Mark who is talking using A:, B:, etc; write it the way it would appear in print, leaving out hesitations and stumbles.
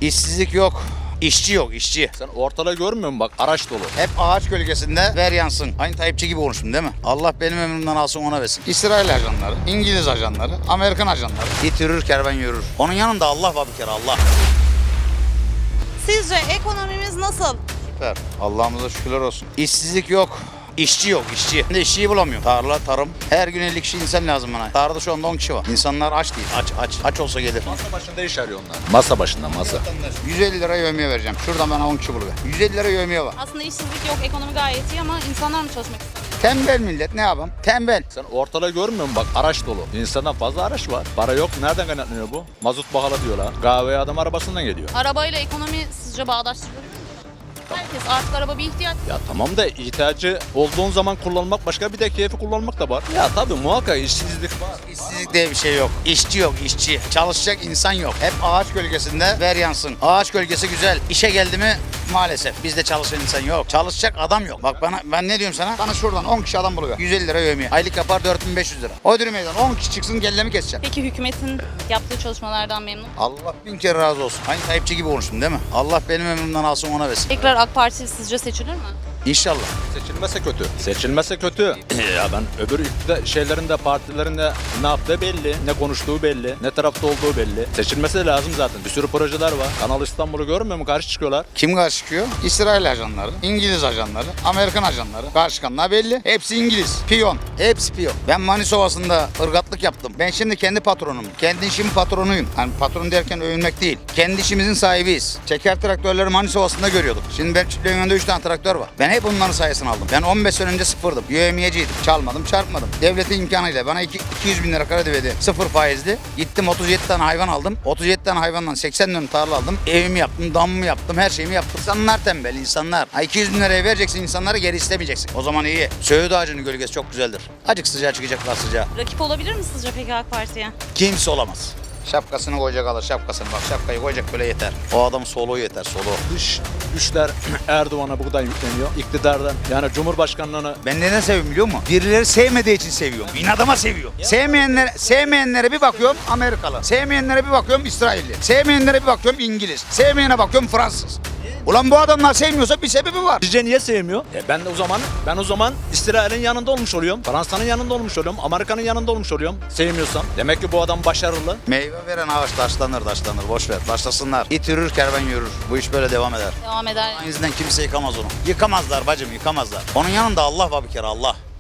A: İşsizlik yok. İşçi yok, işçi.
B: Sen ortalığı görmüyor musun? Bak araç dolu.
A: Hep ağaç gölgesinde ver yansın. Aynı Tayyipçi gibi konuştum değil mi? Allah benim ömrümden alsın ona versin. İsrail ajanları, İngiliz ajanları, Amerikan ajanları. İt yürür, kervan yürür. Onun yanında Allah var bir kere, Allah.
C: Sizce ekonomimiz nasıl?
A: Süper. Allah'ımıza şükürler olsun. İşsizlik yok. İşçi yok, işçi. Ben de işçiyi bulamıyorum. Tarla, tarım. Her gün 50 kişi insan lazım bana. Tarlada şu anda 10 kişi var. İnsanlar aç değil, aç. Aç olsa gelir.
B: Masa başında iş arıyor onlar. Masa başında masa.
A: 150 lira yevmiye vereceğim. Şuradan bana 10 kişi buluver. 150 lira yevmiye var.
C: Aslında işsizlik yok, ekonomi gayet iyi ama insanlar mı çalışmak istemiyor?
A: Tembel millet, ne yapalım? Tembel.
B: Sen ortalığı görmüyor musun? Bak araç dolu. İnsandan fazla araç var. Para yok. Nereden kaynaklanıyor bu? Mazot pahalı diyorlar. Kahveye adam arabasından geliyor.
C: Arabayla ekonomi sizce bağdaştırılır mı? Herkes artık araba bir ihtiyaç.
B: Ya tamam da ihtiyacı olduğun zaman kullanmak başka, bir de keyfi kullanmak da var. Ya tabii muhakkak işsizlik var.
A: İşsizlik diye bir şey yok. İşçi yok, işçi. Çalışacak insan yok. Hep ağaç gölgesinde ver yansın. Ağaç gölgesi güzel. İşe geldi mi maalesef bizde çalışan insan yok. Çalışacak adam yok. Bak ben ne diyorum sana? Bana şuradan 10 kişi adam buluyor. 150 lira yevmiye. Aylık yapar 4500 lira. O dürüm meydan 10 kişi çıksın kellemi keseceğim.
C: Peki hükümetin yaptığı çalışmalardan memnun musunuz?
A: Allah bin kere razı olsun. Aynı Tayyipçi gibi konuştum değil mi? Allah benim ömrümden alsın ona versin.
C: Tekrar AK Parti sizce seçilir mi?
A: İnşallah.
B: Seçilmese kötü. Seçilmese kötü. Ya ben öbür şeylerinde, partilerinde ne yaptığı belli, ne konuştuğu belli, ne tarafta olduğu belli. Seçilmesi de lazım zaten. Bir sürü projeler var. Kanal İstanbul'u görmüyor mu? Karşı çıkıyorlar.
A: Kim karşı çıkıyor? İsrail ajanları, İngiliz ajanları, Amerikan ajanları. Karşı çıkanlar belli. Hepsi İngiliz. Piyon. Hepsi piyon. Ben Manis Ovası'nda ırgatlık yaptım. Ben şimdi kendi patronum. Kendi işimin patronuyum. Hani patron derken övünmek değil. Kendi işimizin sahibiyiz. Çeker traktörleri Manis Ovası'nda görüyorduk. Şimdi ben çiftliğin önünde 3 tane traktör var. Ben hep onların sayesini aldım. Ben 15 sene önce sıfırdım. Yövmiyeciydim. Çalmadım, çarpmadım. Devletin imkanıyla bana 200 bin lira kredi verdi. Sıfır faizli. Gittim 37 tane hayvan aldım. 37 tane hayvandan 80 dönüm tarla aldım. Evimi yaptım, damımı yaptım, her şeyimi yaptım. İnsanlar tembel, insanlar. 200 bin liraya vereceksin insanlara, geri istemeyeceksin. O zaman iyi. Söğüt ağacının gölgesi çok güzeldir. Acık sıcağı çıkacaklar sıcağı.
C: Rakip olabilir mi sizce peki AK Parti'ye?
A: Kimse olamaz. Şapkasını koyacak alır, şapkasını. Bak şapkayı koyacak böyle yeter. O adamın soluğu yeter, soluğu.
B: Dış güçler Erdoğan'a bu kadar yükleniyor. İktidardan yani Cumhurbaşkanlığını.
A: Ben neden seviyorum biliyor musun? Birileri sevmediği için seviyorum. İnadıma seviyorum. Sevmeyenlere bir bakıyorum Amerikalı. Sevmeyenlere bir bakıyorum İsrailli. Sevmeyenlere bir bakıyorum İngiliz. Sevmeyene bakıyorum Fransız. Ulan bu adamlar sevmiyorsa bir sebebi var.
B: Sizce niye sevmiyor? Ben o zaman İsrail'in yanında olmuş oluyorum. Fransa'nın yanında olmuş oluyorum. Amerika'nın yanında olmuş oluyorum. Sevmiyorsam. Demek ki bu adam başarılı.
A: Meyve veren ağaç taşlanır. Boş ver. Başlasınlar. İt yürür, kervan yürür. Bu iş böyle devam eder.
C: Devam eder.
A: Aynı yüzden kimse yıkamaz onu. Yıkamazlar bacım, yıkamazlar. Onun yanında Allah var bir kere, Allah.